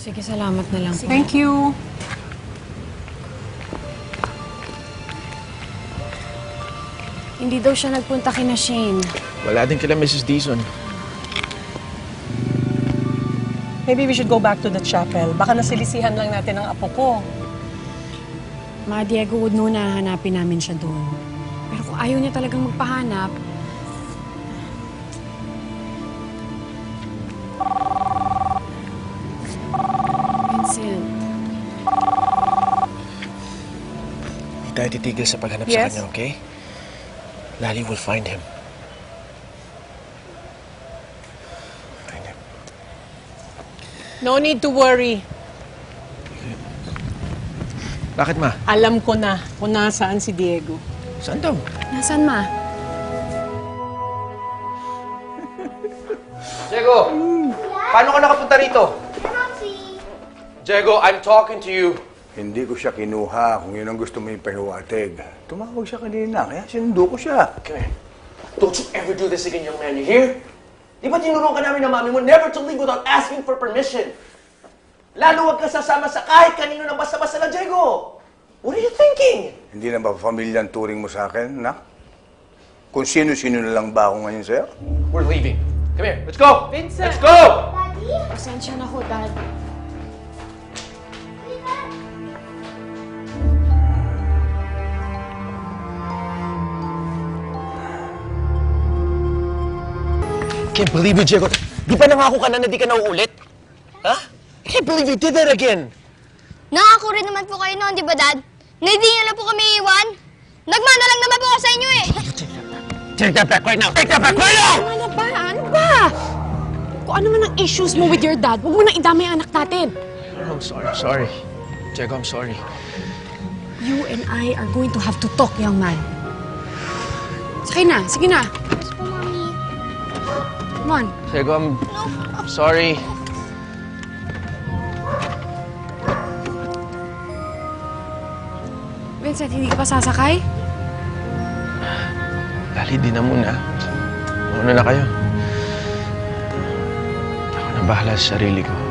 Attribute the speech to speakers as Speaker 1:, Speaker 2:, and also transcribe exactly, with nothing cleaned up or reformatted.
Speaker 1: Sige, salamat na lang po.
Speaker 2: Thank you.
Speaker 1: Hindi daw siya nagpunta kina Shane.
Speaker 3: Wala din kila Missus Dizon.
Speaker 2: Maybe we should go back to the chapel. Baka nasilisihan lang natin ang apo ko.
Speaker 1: Ma, Diego would know na hanapin namin siya doon. Pero kung ayaw niya talagang magpahanap, Vincent,
Speaker 3: Hindi tayo titigil sa paghanap sa
Speaker 2: Yes?
Speaker 3: kanya, okay? Lali will find him. Find him.
Speaker 2: No need to worry.
Speaker 3: Bakit, ma?
Speaker 2: Alam ko na kung nasaan si Diego.
Speaker 3: Saan daw?
Speaker 1: nasaan ma?
Speaker 4: Diego! Paano ka nakapunta rito? Diego, I'm talking to you.
Speaker 5: Hindi ko siya kinuha kung yun ang gusto mo ipahiwatig. Tumawag siya kanina, kaya sinundo ko siya.
Speaker 4: Come here. Don't you ever do this again, young man. You hear? Di ba tinulungan ka namin ng mami mo never to leave without asking for permission? Lalo wag ka sasama sa kahit kanino ng basta-basta lang, Diego! What are you thinking?
Speaker 5: Hindi na ba pamilya ang turing mo sa akin, nak? Kung sino-sino na lang ba ako ngayon sa'yo?
Speaker 4: We're leaving. Come here. Let's go!
Speaker 2: Vincent!
Speaker 4: Let's go!
Speaker 1: Pasensya na ho, Dad.
Speaker 3: Can't believe you, Diego. Di ba nangako ka na na di ka na uulit? Ha? I can't believe you did that again.
Speaker 6: Nangako rin naman po kayo noon, di ba, Dad? Na hindi niyo lang po kami iwan. Nagmana lang naman po ako sa inyo eh.
Speaker 3: Take that back right now! Take that back right now!
Speaker 1: Ano ba? Ano ba? Kung ano man ang issues mo with your dad, huwag mo nang idamay ang anak natin.
Speaker 3: I'm sorry, I'm sorry. Diego, I'm sorry.
Speaker 1: You and I are going to have to talk, young man. Sige na, sige na.
Speaker 6: Yes po, Mami.
Speaker 1: Come on.
Speaker 3: Diego, I'm sorry.
Speaker 1: Vincent, hindi ka pa sasakay?
Speaker 3: Lali, di na muna. Mauna na kayo. Ako na bahala sa sarili ko.